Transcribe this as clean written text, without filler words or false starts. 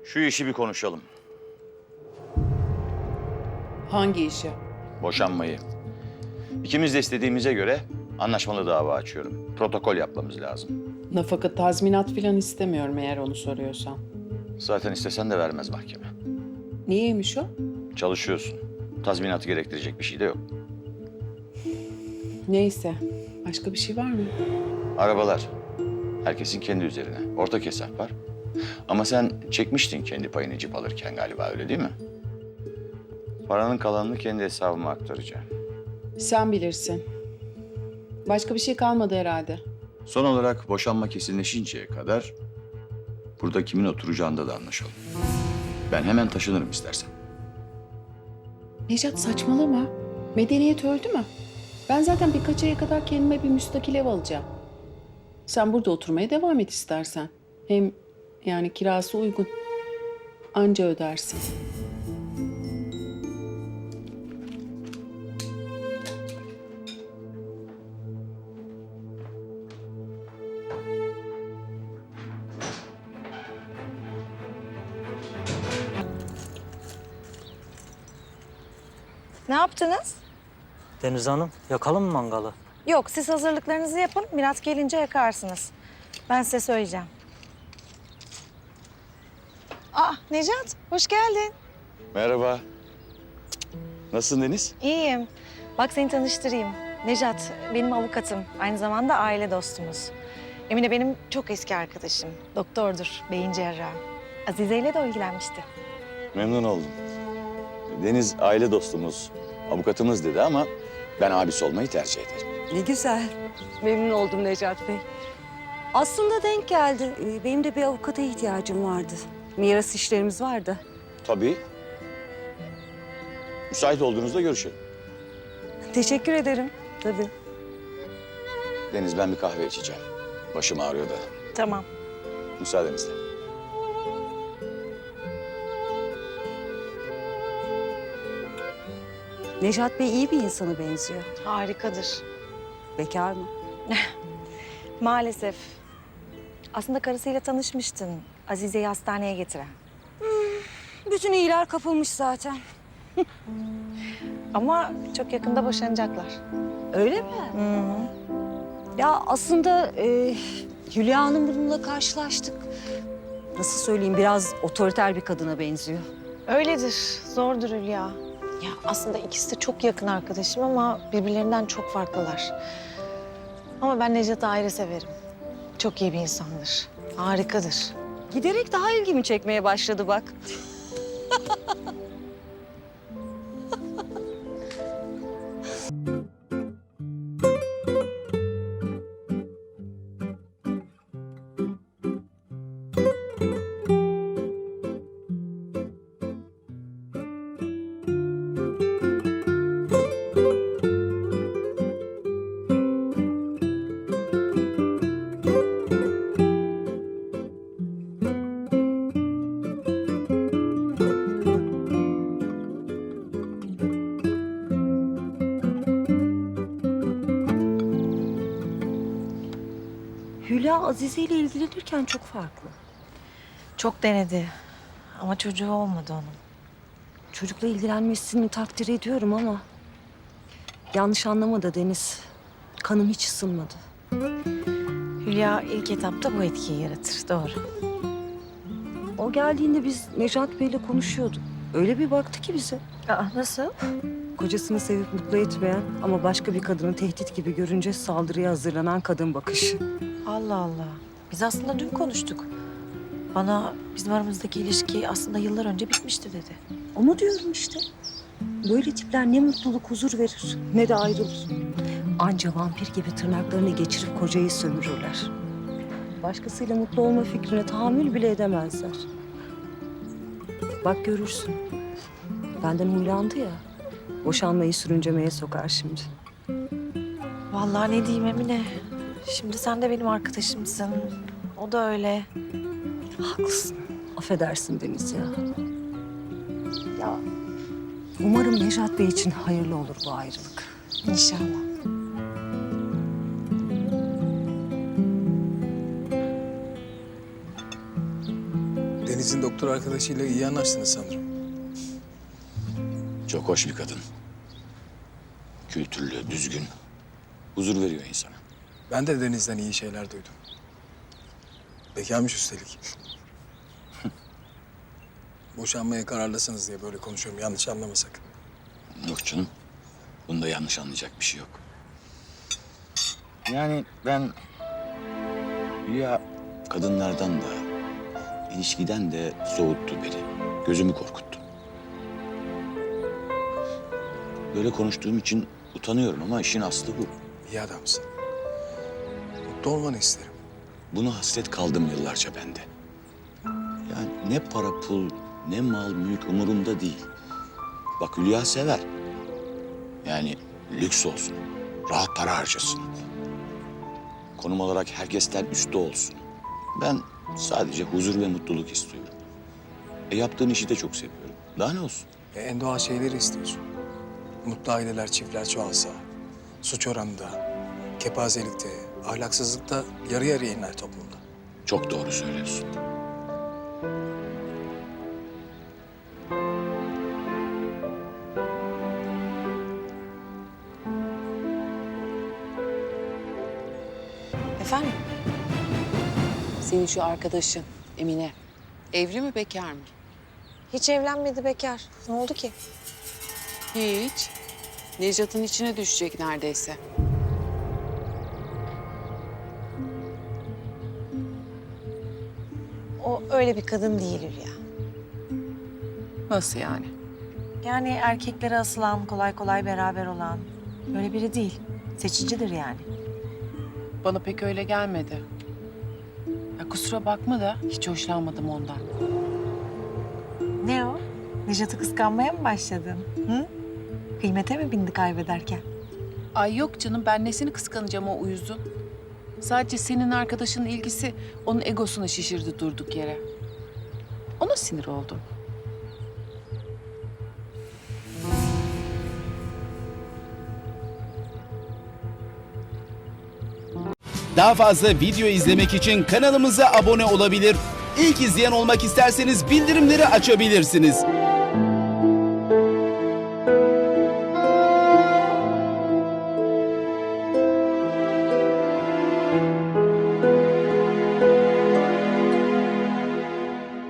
Şu işi bir konuşalım. Hangi işi? Boşanmayı. İkimiz de istediğimize göre anlaşmalı dava açıyorum. Protokol yapmamız lazım. Nafaka tazminat falan istemiyorum eğer onu soruyorsan. Zaten istesen de vermez mahkeme. Niyeymiş o? Çalışıyorsun. Tazminatı gerektirecek bir şey de yok. Neyse. Başka bir şey var mı? Arabalar. Herkesin kendi üzerine. Ortak hesap var. Ama sen çekmiştin kendi payını cip alırken galiba, öyle değil mi? Paranın kalanını kendi hesabıma aktaracağım. Sen bilirsin. Başka bir şey kalmadı herhalde. Son olarak boşanma kesinleşinceye kadar burada kimin oturacağında da anlaşalım. Ben hemen taşınırım istersen. Necat saçmalama. Medeniyet öldü mü? Ben zaten birkaç aya kadar kendime bir müstakil ev alacağım. Sen burada oturmaya devam et istersen. Hem yani kirası uygun. Anca ödersin. Ne yaptınız? Deniz Hanım, yakalım mı mangalı? Yok, siz hazırlıklarınızı yapın. Mirat gelince yakarsınız. Ben size söyleyeceğim. Necat, hoş geldin. Merhaba. Nasılsın Deniz? İyiyim. Bak seni tanıştırayım. Necat, benim avukatım. Aynı zamanda aile dostumuz. Emine benim çok eski arkadaşım. Doktordur, beyin cerrahı. Azize ile de ilgilenmişti. Memnun oldum. Deniz aile dostumuz, avukatımız dedi ama ben abisi olmayı tercih ederim. Ne güzel. Memnun oldum Necat Bey. Aslında denk geldi. Benim de bir avukata ihtiyacım vardı. Miras işlerimiz vardı. Tabii. Müsait olduğunuzda görüşelim. Teşekkür ederim. Tabii. Deniz, ben bir kahve içeceğim. Başım ağrıyor da. Tamam. Müsaadenizle. Necat Bey iyi bir insana benziyor. Harikadır. Bekar mı? Maalesef. Aslında karısıyla tanışmıştın. Azize'yi hastaneye getiren. Bütün iyiler kapılmış zaten. Ama çok yakında boşanacaklar. Öyle mi? Ya aslında Hülya Hanım bununla karşılaştık. Nasıl söyleyeyim, biraz otoriter bir kadına benziyor. Öyledir. Zordur Hülya. Ya aslında ikisi de çok yakın arkadaşım ama birbirlerinden çok farklılar. Ama ben Necat'ı ayrı severim. Çok iyi bir insandır. Harikadır. Giderek daha ilgimi çekmeye başladı bak. Hülya Azize ile ilgilenirken çok farklı. Çok denedi. Ama çocuğu olmadı onun. Çocukla ilgilenmesini takdir ediyorum ama... yanlış anlama da Deniz. Kanım hiç ısınmadı. Hülya ilk etapta bu etkiyi yaratır. Doğru. O geldiğinde biz Necat Bey'le konuşuyorduk. Öyle bir baktı ki bize. Nasıl? Kocasını sevip mutlu etmeyen ama başka bir kadını tehdit gibi görünce saldırıya hazırlanan kadın bakışı. Allah Allah. Biz aslında dün konuştuk. Bana bizim aramızdaki ilişki aslında yıllar önce bitmişti dedi. Onu diyorum işte. Böyle tipler ne mutluluk, huzur verir ne de ayrılır. Anca vampir gibi tırnaklarını geçirip kocayı sömürürler. Başkasıyla mutlu olma fikrine tahammül bile edemezler. Bak görürsün. Benden huylandı ya. Boşanmayı sürüncemeye sokar şimdi. Vallahi ne diyeyim Emine. Şimdi sen de benim arkadaşımsın. O da öyle. Haklısın. Affedersin Deniz ya. Ya umarım Necat Bey için hayırlı olur bu ayrılık. İnşallah. Deniz'in doktor arkadaşıyla iyi anlaştınız sanırım. Çok hoş bir kadın. Kültürlü, düzgün. Huzur veriyor insana. Ben de Deniz'den iyi şeyler duydum. Bekarmış üstelik. Boşanmaya kararlısınız diye böyle konuşuyorum. Yanlış anlama sakın. Yok canım. Bunda yanlış anlayacak bir şey yok. Yani ben Hülya kadınlardan da, ilişkiden de soğuttu beni. Gözümü korkuttu. Böyle konuştuğum için utanıyorum ama işin aslı bu. İyi adamsın. Mutlu olmanı isterim. Buna hasret kaldım yıllarca bende. Yani ne para pul, ne mal mülk umurumda değil. Bak Hülya sever. Yani lüks olsun, rahat para harcasın. Konum olarak herkesten üstte olsun. Ben sadece huzur ve mutluluk istiyorum. Yaptığın işi de çok seviyorum. Daha ne olsun? En doğal şeyleri istiyorsun. Mutlu aileler, çiftler çoğalsa, suç oranında, kepazelikte, ahlaksızlıkta yarı yarıya iner toplumda. Çok doğru söylüyorsun. Efendim? Senin şu arkadaşın Emine. Evli mi bekar mı? Hiç evlenmedi, bekar. Ne oldu ki? Hiç. Necat'ın içine düşecek neredeyse. O öyle bir kadın değil Hülya. Nasıl yani? Yani erkeklere asılan, kolay kolay beraber olan öyle biri değil. Seçicidir yani. Bana pek öyle gelmedi. Ya kusura bakma da hiç hoşlanmadım ondan. Ne o? Nejat'ı kıskanmaya mı başladın? Hı? Kıymete mi bindi kaybederken? Ay yok canım, ben nesini kıskanacağım o uyuzun. Sadece senin arkadaşının ilgisi onun egosunu şişirdi durduk yere. Ona sinir oldum. Daha fazla video izlemek için kanalımıza abone olabilir. İlk izleyen olmak isterseniz bildirimleri açabilirsiniz.